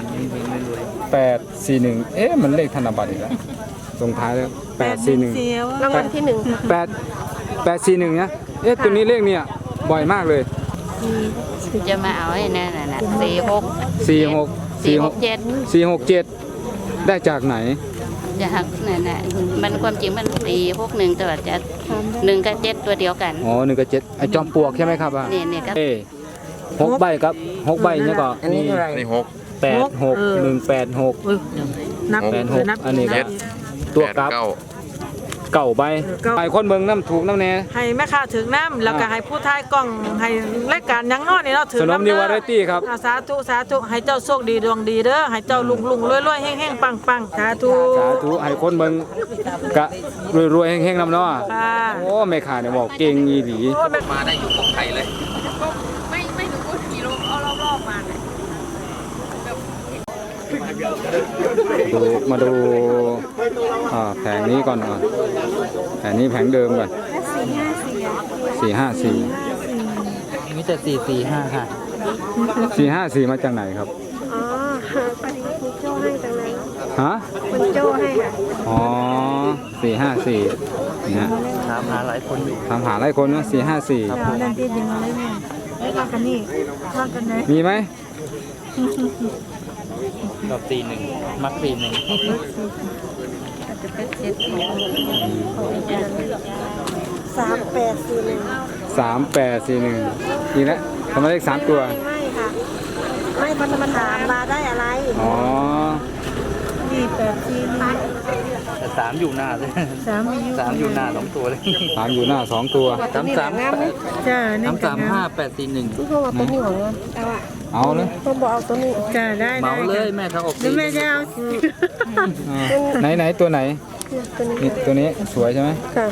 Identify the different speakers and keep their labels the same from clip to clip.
Speaker 1: 841เอ๊ะมันเลขธนบัตรอีกแล้วตรงท้ายแล้ว841
Speaker 2: รางวัลที่หนึ่ง
Speaker 1: 841นะเอ๊ะตัวนี้เลขเนี่ยบ่อยมากเลย
Speaker 3: จะมาเอาไอ้นั่นน่ะ
Speaker 1: 467ได้จากไหน
Speaker 3: จะหักนั่นน่ะมันความจริงมัน461แต่ว่าจะ1กับ7ตัวเดียวกัน
Speaker 1: อ๋อ1กับ7ไอ้จอมปลวกใช่ไหมครับ
Speaker 3: นี่ก็
Speaker 1: 6ใบครับ6ใบเนี่ยก็
Speaker 2: อันนี้เท่าไหร่
Speaker 4: นี่
Speaker 2: นับ
Speaker 1: อันนี้ก็ตัวกลับเก่าใบไอ้คนเมืองน้ำถูกน้ำแน่
Speaker 2: ให้แม่ค้าถึงน้ำแล้วก็ให้ผู้ทายกล้องให้รายการยังนอนนี่เนาะถึง
Speaker 1: สนมนิวาไรตี้ครับ
Speaker 2: สาธุให้เจ้าโชคดีดวงดีเด้อให้เจ้าลุงรวยๆแห้งๆปังสาธุ
Speaker 1: ให้คนเมืองกะรวยๆแห้งๆน้ำเนาะโอ้แม่ค้าเนี่ยบอกเก่งอีหลี
Speaker 4: มาได้อยู่ของไทยเลย
Speaker 3: ไม่ถึงพูดกี่โลเอารอบๆมาเนี่ย
Speaker 1: มาดูแผงนี้ก่อนแผงนี้แผงเดิมก่อน454
Speaker 5: มีแต่445ค่ะ
Speaker 1: 454มาจากไหนครับ
Speaker 6: อ๋อพอดีคุณโจ้ให้จังเลย
Speaker 1: ฮะ
Speaker 6: คุณโจ้ให้ค่ะ
Speaker 1: อ๋อ454เนี่ย
Speaker 5: ถามหาหลายคน
Speaker 1: ถามหาหลายคนนะ454
Speaker 6: ครับนั่นที่ยังอะไรเนี่ยมากันนี่มากันไหน
Speaker 1: มีไหม
Speaker 5: กับ41มัก41
Speaker 3: อาจจะเป็น
Speaker 6: 3841
Speaker 1: นี่แหละทำไมเลข3ตัว
Speaker 6: ไม่ค่ะไม่พันธมาถามมาได้อะไร
Speaker 1: อ๋อ
Speaker 6: นี่
Speaker 5: แต่3อยู่หน้าเลย3อยู่หน้า2ตัวเลย
Speaker 1: 3อยู่หน้า2ตัว
Speaker 5: 33
Speaker 6: จ้า
Speaker 5: 841
Speaker 6: ทุกคนว่าตัวห่วง
Speaker 1: เอาเลย
Speaker 6: ผมบอกเอาตัวนี้
Speaker 2: จ้าได้
Speaker 5: เมาเลยแม่เขาออก
Speaker 2: แม่จะเอา
Speaker 1: ไหนตัวไหนนี่ตัวนี้สวยใช่ไหม
Speaker 6: ค่ะ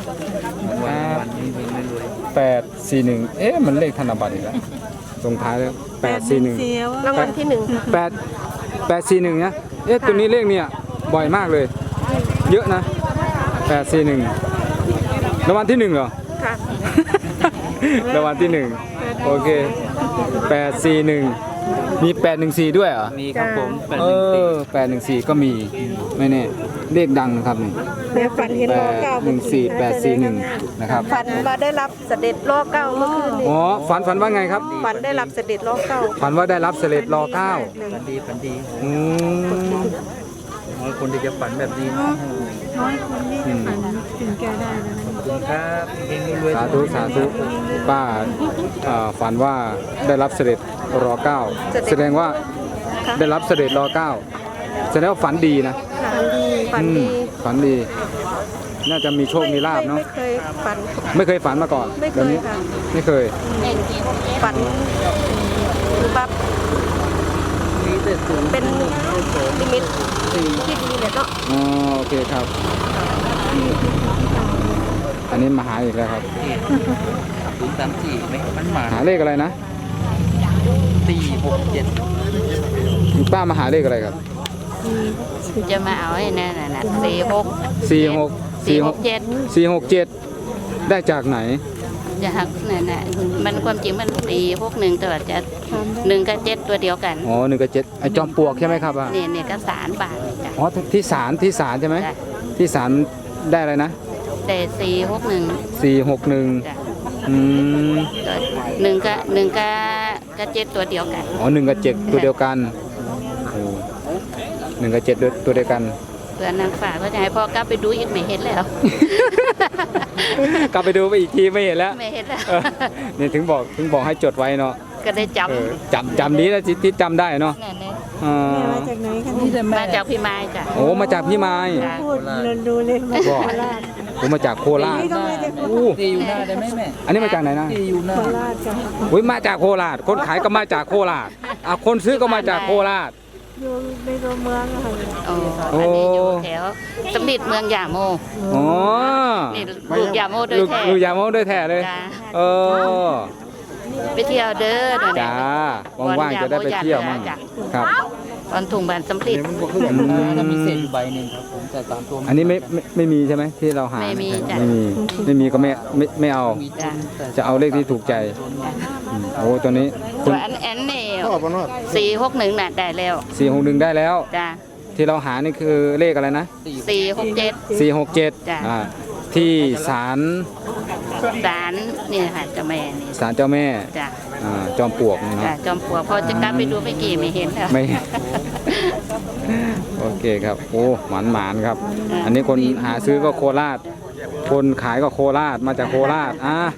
Speaker 1: 841เอ๊ะมันเลขธนบัตรอีกแล้วตรงท้ายแล้ว841
Speaker 2: รางวัลที่หนึ่ง
Speaker 1: 841นะเอ๊ะตัวนี้เลขเนี่ยบ่อยมากเลยเยอะนะ841รางวัลที่1เหรอ
Speaker 6: ค่ะ
Speaker 1: รางวัลที่1โอเค841มี814ด้วยเหรอ
Speaker 5: มีครับผม
Speaker 1: 814ก็มีไม่แน่เลขดังครับนี่
Speaker 6: แม่ฝันเห็นล้อเก้า
Speaker 1: 814นะครับ
Speaker 6: ฝันมาได้รับเสด็จล้อเก้าเมื่อคืนนี้
Speaker 1: อ๋อฝันว่าไงครับ
Speaker 6: ฝันได้รับเสด็จล้อเก้า
Speaker 1: ฝันว่าได้รับเสด็จรอ9
Speaker 5: ฝันดีน้อยคนที่จะฝันแบบนี้
Speaker 6: น้อยคนที่จะฝันถึงแกได้
Speaker 5: ครับเองรวย
Speaker 1: สาธุป้าฝันว่าได้รับเสด็จรอ9แสดงว่าได้รับเสด็จรอ9แสดงว่าฝันดีนะฝันดีน่าจะมีโชคมีลาภเนาะไม่เคยฝันมาก่อนแบบนี้ไม่เคย
Speaker 6: ฝันแบบเป็นนิมิตที่ดีเลยเนาะ
Speaker 1: อ๋อโอเคครับอันนี้มาหาอีกแล้วครับ
Speaker 5: 034ไหมมันมา
Speaker 1: หาเลขอะไรนะ
Speaker 5: 467
Speaker 1: ป้ามาหาเลขอะไรครับ
Speaker 3: จะมาเอาไอ้นั่นน่ะ
Speaker 1: 467ได้จากไหน
Speaker 3: จะหักนั่นน่ะมันความจริงมัน461แต่ว่าจะ1กับ7ตัวเดียวกัน
Speaker 1: อ๋อ1กับ7ไอ้จอมปลวกใช่ไหมครับ
Speaker 3: นี่ก็สารบาทจ้ะ
Speaker 1: อ๋อที่ศาลใช่ไหมที่ศาลได้อะไรนะ
Speaker 3: แต่
Speaker 1: 461
Speaker 3: 1กับ7ตัวเดียวกัน
Speaker 1: อ๋อ1กับ7ตัวเดียวกัน1กับ7ตัวเดียวกัน
Speaker 3: เพื่อนนางฝากก็จะให้พ่อกลับไปดูอีกไม่เห็นแล้ว
Speaker 1: กลับไปดูไปอีกทีไม่เห็นแล้วนี่ถึงบอกให้จดไว้เนาะ
Speaker 3: ก็ได้
Speaker 1: จำนี้นะที่จำได้เนาะ
Speaker 6: มาจากไหนคะนี่
Speaker 3: มาจากพี่ไม้จ้ะ
Speaker 1: โอ้มาจากพี่ไม้
Speaker 6: พูดดูเลยมาจากโคราช
Speaker 1: ผมมาจากโคราช
Speaker 5: ตีอยู่หน้าได้ไหมแม่
Speaker 1: อันนี้มาจากไหนนะ
Speaker 5: ตีอยู่หน้า
Speaker 6: โคราชจ้ะ
Speaker 1: อุ้ยมาจากโคราชคนขายก็มาจากโคราชคนซื้อก็มาจากโคราช
Speaker 6: อยู่ในตัวเมืองค่ะ
Speaker 3: อันนี้อยู่แถวสำลิดเมืองยาโม
Speaker 1: อ๋อ
Speaker 3: นี่ลูกยาโมด้วยแท้
Speaker 1: ลูกยาโมด้วยแท้เลย
Speaker 3: ไปเที่ยวเด้อ
Speaker 1: จ้าว่างๆจะได้ไปเที่ยวมั่งครับ
Speaker 3: ตอนถุงบานสำลิด
Speaker 5: ถ้ามีเศษอยู่ใบหนึ่งครับผมแต่ตามตัว
Speaker 1: อันนี้ไม่มีใช่ไหมที่เราหา
Speaker 3: ไม่มี
Speaker 1: ก็ไม่เอาจะเอาเลขที่ถูกใจโอ้ตัวนี้
Speaker 3: ตัวอันนี่ 461น่ะได้แล้ว
Speaker 1: 461ได้แล้ว
Speaker 3: จ้ะ
Speaker 1: ที่เราหานี่คือเลขอะไรนะ
Speaker 3: 467
Speaker 1: 467
Speaker 3: จ้ะ
Speaker 1: ที่ศาล
Speaker 3: ศาลนี่ค่ะเจ้าแม่นี่
Speaker 1: ศาลเจ้าแม่
Speaker 3: จ้ะ
Speaker 1: จอมปลวกนะค
Speaker 3: จ้ะ
Speaker 1: รับ
Speaker 3: จอมปลวกพอจะกลับไปดูเมื่อกี้ไม่เห็นแล้ว
Speaker 1: ไม่ โอเคครับโอ้หมานครับ
Speaker 3: อ่า
Speaker 1: อันนี้คนหาซื้อก็โคราช คนขายก็โคราชมาจากโคราช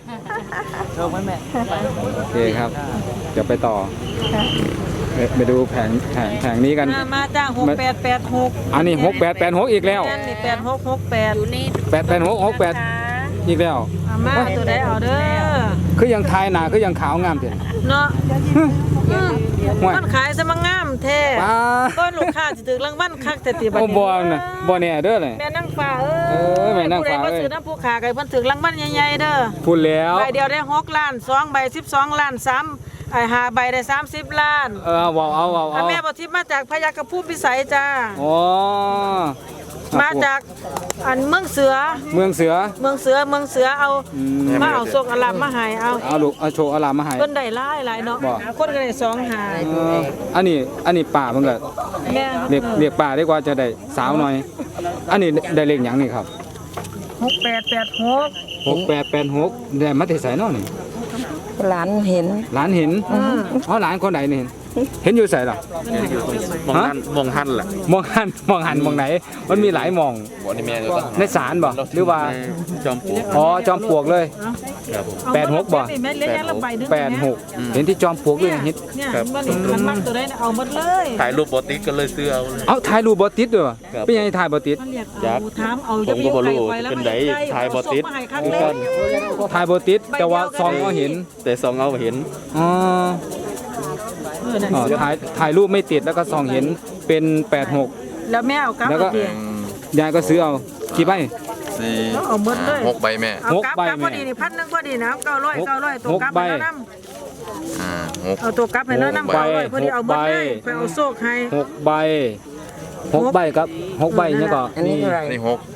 Speaker 1: โอเคครับเดี๋ยวไปต่อไปดูแผงนี้กัน
Speaker 2: มาจ้าง6886
Speaker 1: อันนี้6886อีกแล้ว
Speaker 2: แม่นนี่8668อยู่นี่
Speaker 1: 8868อีกแล้ว
Speaker 2: มาตัวใดเอาเด้อ
Speaker 1: คือยังทายหนาคือยังขาวงามเถอะ
Speaker 2: เนาะ
Speaker 1: ห่วย
Speaker 2: มันขายซะมางามแท้
Speaker 1: ป้า
Speaker 2: ต้นลูกค้าสิถึงรางวัลคักแต่ติบัด
Speaker 1: โอ้
Speaker 2: นี้
Speaker 1: บ่น่ะบ่แน่เด้อเลย
Speaker 2: แม่นั่งฟ้า
Speaker 1: เออแม่นางฟ้า
Speaker 2: ผู้ใดบ่ซื้อน้ำผู้ขาไก่เพิ่นถึงรางวัลใหญ่ๆเด้อ
Speaker 1: พูดแล้ว
Speaker 2: ใบเดียวได้6ล้าน2ใบ12ล้าน3ไอ้5ใบได้30ล้าน
Speaker 1: เอาเอา
Speaker 2: อ่ะแม่บ่ทิพย์มาจากพยัคฆภูมิพิสัยจ้า
Speaker 1: อ๋อ
Speaker 2: มาจากอันเมืองเสือ
Speaker 1: เมืองเสือ
Speaker 2: เมืองเสือเอา
Speaker 1: อืม
Speaker 2: มาเอาส่งอลามมาให้เอา
Speaker 1: เอาลูกเอาโชว์เอาลามมาให้
Speaker 2: เพิ่นได้หลายเนาะ
Speaker 1: บ่
Speaker 2: คนก็ได้2หา
Speaker 1: อันนี้ป่ามันก็
Speaker 2: แม่
Speaker 1: เรียกป่าดีกว่าจะได้สาวหน่อย อันนี้ได้เลขหยังนี่ครับ
Speaker 2: 6886
Speaker 1: 6886ได้มาแต่ไสเนาะนี่
Speaker 6: หลานเห็น
Speaker 1: หลานเห็นอ๋อหลานคนไหนนี่เห็นอยู่ไสล่ะ
Speaker 5: มองหันมองหันแหละ
Speaker 1: มองหันมองไหน มันมีหลายมอง
Speaker 5: บอกนี่แม่ก็ต้อง
Speaker 1: ในศาลบ่หรือว่า
Speaker 5: จอมปลวก
Speaker 1: อ๋อจอมปลวกเลย
Speaker 5: ครับผม
Speaker 1: 86บ่
Speaker 2: แม่เลี้ยงละใบนึง
Speaker 1: 86เห็นที่จอมปลวกด้วยเห็น
Speaker 2: เนี่ยมันมักตัวใดเอาหมดเลย
Speaker 5: ถ่ายรูปโบติกก็เลยซื้อเอาเลย
Speaker 1: เอาถ่ายรูปบ่ติดด้วยวะ
Speaker 5: ครับ
Speaker 1: เป็นยังไงถ่ายบ่ติด
Speaker 2: มันเรียก
Speaker 5: จัก
Speaker 2: ถามเอา
Speaker 5: ผมก็บ่รู้เป็นไดถ่ายบ่ติด
Speaker 2: คือกัน
Speaker 1: ถ่ายบ่ติดแต่ว่าซองก็เห็น
Speaker 5: แต่ซองเอาเห็น
Speaker 1: อ๋ออ๋อถ่ายรูปไม่ติดแล้วก็ซองเห็นเป็น86
Speaker 2: แล้วแม่เอากลับ
Speaker 1: แล้วก็
Speaker 2: เอาเดีย
Speaker 1: ยายก็ซื้อเอากี่ใบ
Speaker 4: สี่
Speaker 2: เอาหมดเลย
Speaker 4: หกใบแม่
Speaker 2: เอากลับ
Speaker 1: 6ใบ
Speaker 2: กลับพอดีนี่1,000พอดีนะ900ตัวกลับ
Speaker 1: 6ใบ
Speaker 2: ให้แล้วน
Speaker 4: หก
Speaker 2: เอาตัวกลับให้แล้วนำ
Speaker 1: 6ใบ
Speaker 2: 900พอดีเอาหมดเลยไปเอาโซกให้
Speaker 1: 6ใบ6ใบครับ6ใบเนี่ยก็
Speaker 6: อันนี้เท่าไหร่
Speaker 4: นี่หก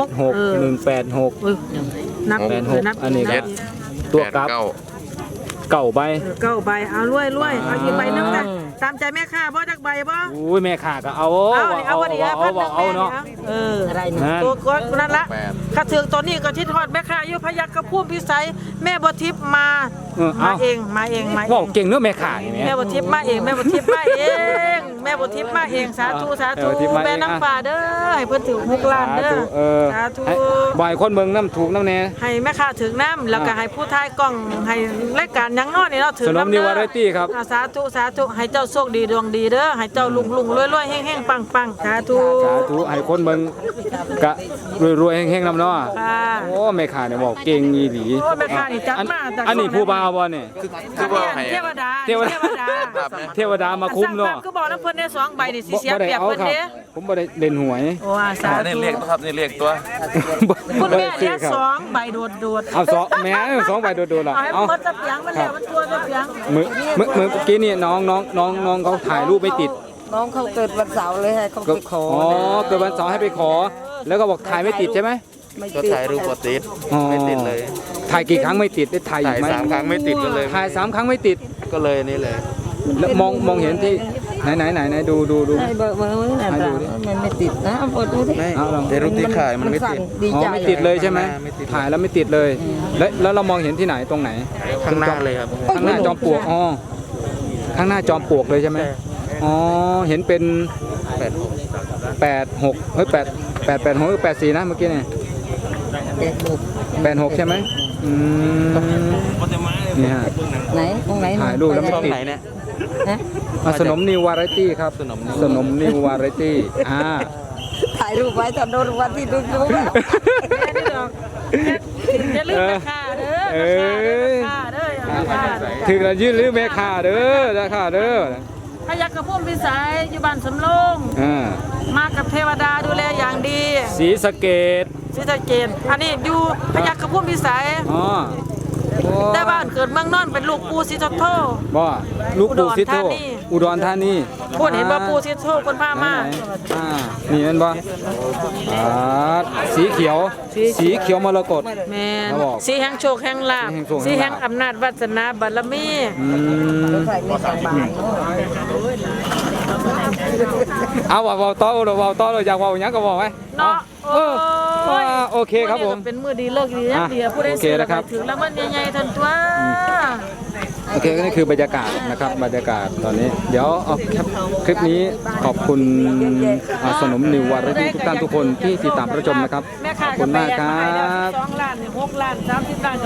Speaker 1: 86
Speaker 2: นับ
Speaker 1: 86 อันนี้
Speaker 4: เจ็
Speaker 1: ก็
Speaker 4: ด
Speaker 1: ตัวกลับ
Speaker 4: เก้า
Speaker 1: เก่าใบ
Speaker 2: 9ใบเอารวยเอาอีกใบนึงนะตามใจแม่ค้าบ่จักใบบ่
Speaker 1: อุ้ยแม่ขาก็เอา
Speaker 2: เอาพอดี1,000
Speaker 1: เอาเนาะ
Speaker 6: อะไรนะ
Speaker 1: นั่น
Speaker 2: ตัวก้อนนั่นละ
Speaker 4: แปด
Speaker 2: ข้าถึงตัวนี้ก็ทิศทอดแม่ค้าอยู่พยัคฆภูมิพิสัยแม่บ่ทิพย์มา มาเอง
Speaker 1: บอกเก่งเนื้อะแม่ขาอย่างเงี้ย
Speaker 2: แม่บ่ทิพย์มาเองแม่บ่ทิพย์มาเองแม่บ่ทิพย์มาเองสาธุ
Speaker 1: แม่บ่ทิพย์มาเอง
Speaker 2: แม่น้ำฟ้าเด้อให้เพิ่นถึง6ล้านเด้อ สาธุ
Speaker 1: ให้บ่อยคนเมืองน้ำถูกน้ำแน่
Speaker 2: ให้แม่ค้าถึงน้ำแล้วก็ให้ผู้ทายกล้องให้รายการหยังน้อนี่เนาะถึง
Speaker 1: สนม
Speaker 2: น้ำ
Speaker 1: นิ
Speaker 2: เด้
Speaker 1: วาไรตี้ครับ
Speaker 2: สาธุให้เจ้าโชคดีดวงดีเด้อให้เจ้าลุงรวยๆแห้งๆปังๆสาธุ
Speaker 1: สาธุให้คนเมืองกะรวยๆแห้งๆน้ำเนาะ
Speaker 2: ค่ะ
Speaker 1: โอ้แม่ขาเนี่ยบอกเก่งอีหลี
Speaker 2: โอ้แม่ค้านี่จัดมาแต่
Speaker 1: อันนี้ผู้บ่าวบ่เนี่ย
Speaker 4: คือว่าให้
Speaker 2: เทวดา
Speaker 1: เทวดา เทวดามาคุ้มเนาะ
Speaker 2: คือบอกน้ำเพิ่นได้2ใบนี่สิเสีย
Speaker 1: บ่ได้
Speaker 2: เปรียบ
Speaker 1: เอา
Speaker 2: เพิ่น
Speaker 1: ครับ
Speaker 2: เด้
Speaker 1: ผมบ่ได้เล่นหวย
Speaker 2: โอ้อาสา
Speaker 4: นี่
Speaker 2: ธุ
Speaker 4: เรียกครับนี่เรียกตัว
Speaker 2: คุณแม่เลี้ยง
Speaker 1: ครับ
Speaker 2: 2ใบโดด
Speaker 1: เอาสองแม่สองใบโดดๆล่ะ
Speaker 2: เอาให้
Speaker 1: เอา
Speaker 2: หมดจะเปียงมันแล้วมันตัวจะเปียง
Speaker 1: มือกี้นี่น้องเขาถ่ายรูปไม่ติด
Speaker 6: น้องเขาเกิดวันเสาร์เลยให้เขาไปขอ
Speaker 1: อ๋อเกิดวันเสาร์ให้ไปขอ แล้วก็บอกถ่ายไม่ติดใช่ไหม
Speaker 6: ไม่
Speaker 5: ก็
Speaker 6: ติด
Speaker 5: ถ่ายรูปโบติด
Speaker 1: อ๋อ
Speaker 5: ไม่ติดเลย
Speaker 1: ถ่ายกี่ครั้งไม่ติดได้ถ่ายอี
Speaker 5: ถ่าก ย
Speaker 1: ไหม
Speaker 5: 3 ครั้งไม่ติดก็เลย
Speaker 1: ถ่าย3 ครั้งไม่ติด
Speaker 5: ก็เลยนี่เลย
Speaker 1: แล้วมองเห็นที่ไหนดู
Speaker 6: ให้เบอร์มือน่ะ
Speaker 1: ให้
Speaker 6: จ้ะ
Speaker 1: ดูดิ
Speaker 6: มันไม่ติดนะเอาเปิดดูดิ
Speaker 5: ไม่
Speaker 1: เอาลอง
Speaker 5: แต่รูปที่ขายมันไม่ติด
Speaker 6: สั่ดี
Speaker 1: อ๋อ
Speaker 6: ใจ
Speaker 1: ไม่ติดเลยใช่ไหม
Speaker 5: ไม่ติด
Speaker 1: ถ่ายแล้วไม่ติดเลย แล้วเรามองเห็นที่ไหนตรงไหน
Speaker 5: ข้างหน้าเลยครับ
Speaker 1: ข้างหน้าจอมปลวกอ๋อข้างหน้าจอมปลวกเลยใช่ไหมอ๋อเห็นเป็น86เฮ้ย886หรือ84นะเมื่อกี้เนี่ย
Speaker 6: เด็กบุก
Speaker 1: 86ใช่ไหมอืมนี่ฮะ
Speaker 6: ไหนตรงไหน
Speaker 1: ถ่ายรูปแล้วไม่
Speaker 5: ช่อง
Speaker 1: ติด
Speaker 5: ไหนเนี่ย
Speaker 6: ฮะ
Speaker 1: สนมนิววาไรตี้ครับ
Speaker 5: สนมนิว
Speaker 1: สนมนิววาไรตี้
Speaker 6: ถ่ายรูปไว้ตอนโดนรางวันที่ดูดู
Speaker 2: แม่นี่ดอกอย่าลืมแม่ค้าเด้อแม่ค้าเด้ออย่าลืมแม่ค้าเด้อ
Speaker 1: ถึงจะยืดหรือแม่ค่าเด้อราคาเด้อ
Speaker 2: พยัคฆภูมิพิสัยอยู่บ้านสำโรง มากับเทวดาดูแลอย่างดี
Speaker 1: สีสะเกต
Speaker 2: ศรีสะเกษอันนี้อยู่พยัคฆภูมิพิสัย
Speaker 1: อ๋อโอ้
Speaker 2: แต่บ้านเกิดเมืองนอนเป็นลูกปู่ศรีสุโธ
Speaker 1: บ่ลูกปู่ซิโต
Speaker 2: อุดรธานี
Speaker 1: อุดรธานี
Speaker 2: พูดเห็นว่าปู่ศรีสุโธคนพามา
Speaker 1: ไหนนี่แมันบ่สีเขียวสีเขียวมรกต
Speaker 2: แม่น
Speaker 1: เขาบอก
Speaker 2: สีแห่งโชคแห่งลาภ
Speaker 1: สี
Speaker 2: สี
Speaker 1: แห่
Speaker 2: แห่
Speaker 1: ง
Speaker 2: ง
Speaker 1: โชคแห่งลาภ
Speaker 2: อำนาจวาสนาบารมี
Speaker 1: เอาเว้าต่อเลยอยากเว้าหยังก็บอกไว้
Speaker 2: เนาะ
Speaker 1: เออโอเคครับผม
Speaker 2: เป็นมือดีเลิกดีนะเดียวผู้ใด
Speaker 1: โอเค
Speaker 2: ซื้อ
Speaker 1: นะครับ
Speaker 2: ถึงแล้วมันใหญ่ๆทันตัว
Speaker 1: โอเคก็นี่คือบรรยากาศนะครับบรรยากาศตอนนี้ เดี๋ยวเอาคลิปนี้ขอบคุณสนมนิววารดีทุกท่านทุกคนที่ติดตามรับชมนะครับ
Speaker 2: แม่
Speaker 1: ข
Speaker 2: ค้า
Speaker 1: อบคุณมากครับ
Speaker 2: 2 ล้าน6 ล้าน30 ล้าน